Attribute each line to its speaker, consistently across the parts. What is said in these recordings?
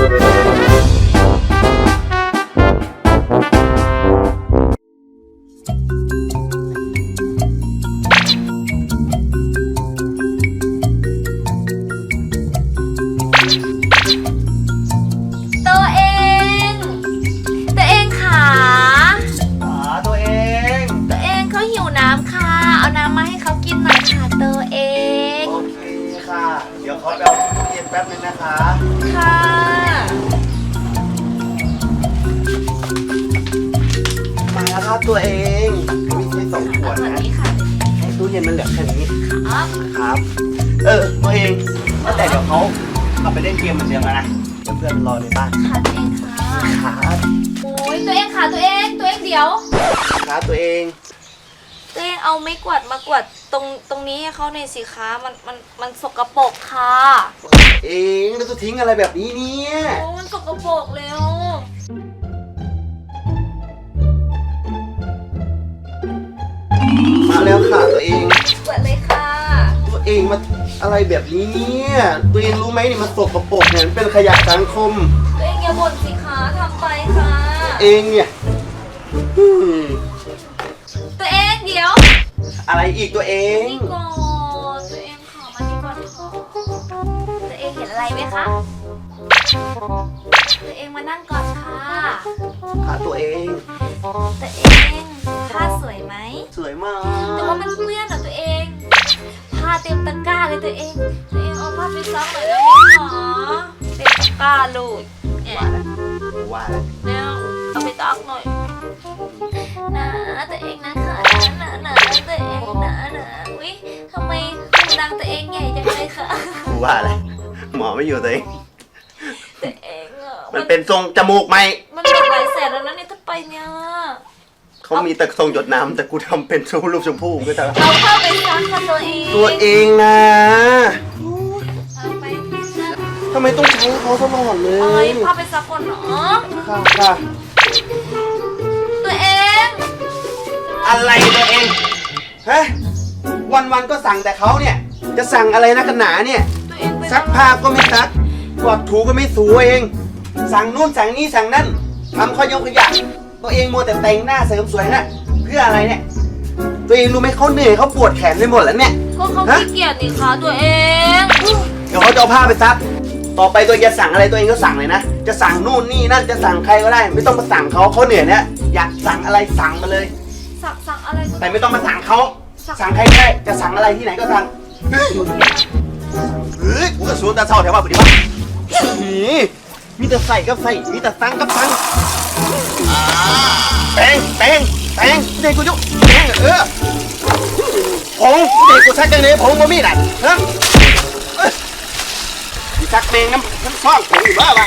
Speaker 1: เดี๋ยวเขาไปเอาตู้เย็นแป๊บนึงนะคะ
Speaker 2: ค่ะ
Speaker 1: มาแล้วครับตัวเองมีแค่2 ขวดนะให้ตู้เย็นมันเหลือแค่นี้ครับตัวเองก็แต่เดี๋ยวเขาเอาไปเล่นเกมเหมือนเดิมนะเดี๋ยวเพื่อนรอในบ้าน
Speaker 2: ค่ะตัวเองค่ะ
Speaker 1: ครับ
Speaker 2: โอ้ยตัวเองค่ะตัวเองเดี๋ยว
Speaker 1: ครับตัวเอง
Speaker 2: เอาไม้กวาดมากวาดตรงนี้ให้เขาในสิคะมันสกปรกค่ะ
Speaker 1: เองแล้วจะทิ้งอะไรแบบนี้เนี่ย
Speaker 2: โอ้มันสกปรกแล้ว
Speaker 1: มาแล้วค่ะตัวเอง
Speaker 2: กวาดเลยค่ะ
Speaker 1: ตัวเองมาอะไรแบบนี้เนี่ยตัวเองรู้ไหมนี่มันสกปรกเนี่ยมันเป็นขยะสังคม
Speaker 2: ตัวเองอย่าบ่นสิคะทำไปค่ะ
Speaker 1: เองเนี่ย
Speaker 2: ตัวเองเดี๋ยว
Speaker 1: อะไรอีกตัวเอง
Speaker 2: นี่ก่อนตัวเองขอมานี่ก่อนตัวเองเห็นอะไรไหมคะตัวเองมานั่งก่อนค่ะ
Speaker 1: ตัวเอง
Speaker 2: ผ้าสวยไหม
Speaker 1: สวยมาก
Speaker 2: แต่ว่ามันเปื้อนอ่ะตัวเองผ้าเต็มตะกร้าเลยตัวเองเอาผ้าไปซักหน่อยได้ไหมหรอเต็มตะกร้าลูก
Speaker 1: ว่า
Speaker 2: แล้วเอาไปซักหน่อยนะตัวเองนะคะนะตัวเองนะวิทำไมหูดังตัวเองใหญ่จังเลยค่ะ
Speaker 1: ว่าอะไรหมอไม่อยู่ตัวเอง
Speaker 2: มัน
Speaker 1: เป็นทรงจมูกไหม
Speaker 2: มันเป็นหลายแสนแล้วนะเนี่ยถ้าไปเนี่ย
Speaker 1: เขามีแต่ทรงหยดน้ำแต่กูทำเป็นรูปชมพู่ก็จะ
Speaker 2: เอาเข้าไปซักค่ะ
Speaker 1: ตัวเองนะทำไมต้องใช้เขาตลอดเลย
Speaker 2: เข้าไปซักก่อนเนาะ
Speaker 1: ค่ะ
Speaker 2: ตัวเอง
Speaker 1: อะไรตัวเองฮะวันก็สั่งแต่เขาเนี่ยจะสั่งอะไรนักกันหนาเนี่ยซักผ้าก็ไม่ซักกวาดถูก็ไม่ถูเองสั่งนู่นสั่งนี่สั่งนั่นทำข้อยกขยะตัวเองมัวแต่แต่งหน้าเสริมสวยนะเพื่ออะไรเนี่ยตัวเองรู้ไหมเขาเหนื่อยเขาปวดแขนไปหมดแล้วเนี่ย
Speaker 2: ก็เขาขี้เกียจนี่คะตัวเอง
Speaker 1: เดี๋ยวเขาจะเอาผ้าไปซักต่อไปตัวจะสั่งอะไรตัวเองก็สั่งเลยนะจะสั่งนู่นนี่นั่นจะสั่งใครก็ได้ไม่ต้องมาสั่งเขาเหนื่อยเนี่ยอยากสั่งอะไรสั่งมาเลย
Speaker 2: สั่งอะไร
Speaker 1: แต่ไม่ต้องมาสั่งเขาสั่งใครก็ได้จะสั่งอะไรที่ไหนก็สั่งกูก็สูนตาเศร้าแถวบ้านพอดีวะมีแต่ใส่ก็ใส่มีแต่สั่งก็สั่งแตงเด็กกูยุแตงผงเด็กกูชักจังเลยผงมามีดอ่ะฮะชักเมงน้ำซ่องผงอยู่บ้าวะ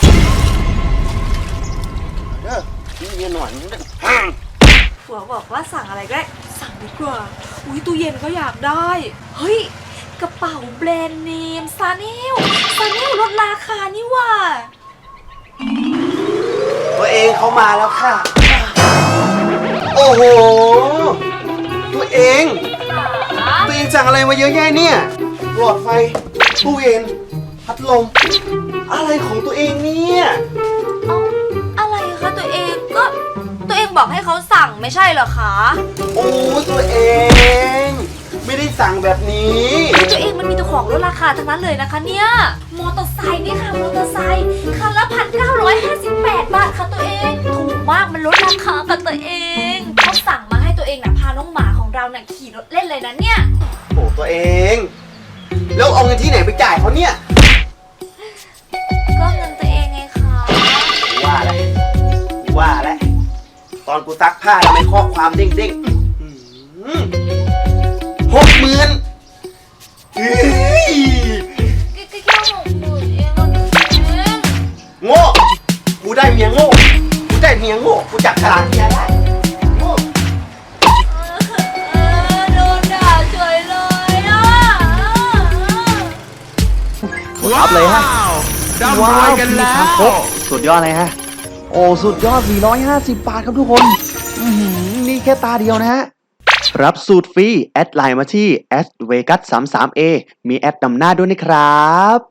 Speaker 1: นี่หน่อย
Speaker 2: ผัวบอกว่าสั่งอะไรก็ได้สั่งดีกว่าอุ้ยตู้เย็นก็อยากได้เฮ้ยกระเป๋าแบรนด์เนมซาเนลลดราคานี่ว่า
Speaker 1: ตัวเองเขามาแล้วค่ะโอ้โหตัวเองสั่งอะไรมาเยอะแยะเนี่ยหลอดไฟตู้เย็นพัดลมอะไรของตัวเองเนี่ย
Speaker 2: อะไรคะตัวเองก็ตัวเองบอกให้เขาสั่งไม่ใช่เหรอคะ
Speaker 1: โอ้ตัวเองไม่ได้สั่งแบบนี้
Speaker 2: ตัวเองมันมีแต่ของลดราคาทั้งนั้นเลยนะคะเนี่ยมอเตอร์ไซค์นี่ค่ะมอเตอร์ไซค์คันละ1,958 บาทค่ะตัวเองถูกมากมันลดราคาค่ะตัวเองเขาสั่งมาให้ตัวเองนะพาน้องหมาของเราน่ะขี่รถเล่นเลยนะเนี่ย
Speaker 1: โอ้ตัวเองแล้วเอาเงินที่ไหนไปจ่ายเขาเนี่ย
Speaker 2: ก็เงินตัวเองไงคะ
Speaker 1: ว่าแล้วตอนกูซักผ้าทำไมข้อความเด้ง60,000โง่กูได้เมียโง่กูจับฉลากเมียได้โง่
Speaker 2: โดนด่าเฉยเลยอ่ะ
Speaker 1: รับเลยฮะว้าวกันแล้วสุดยอดเลยฮะโอ้สุดยอด450 บาทครับทุกคนนี่แค่ตาเดียวนะฮะรับสูตรฟรีแอดไลน์มาที่ @vegas33a มีแอดนำหน้าด้วยนะครับ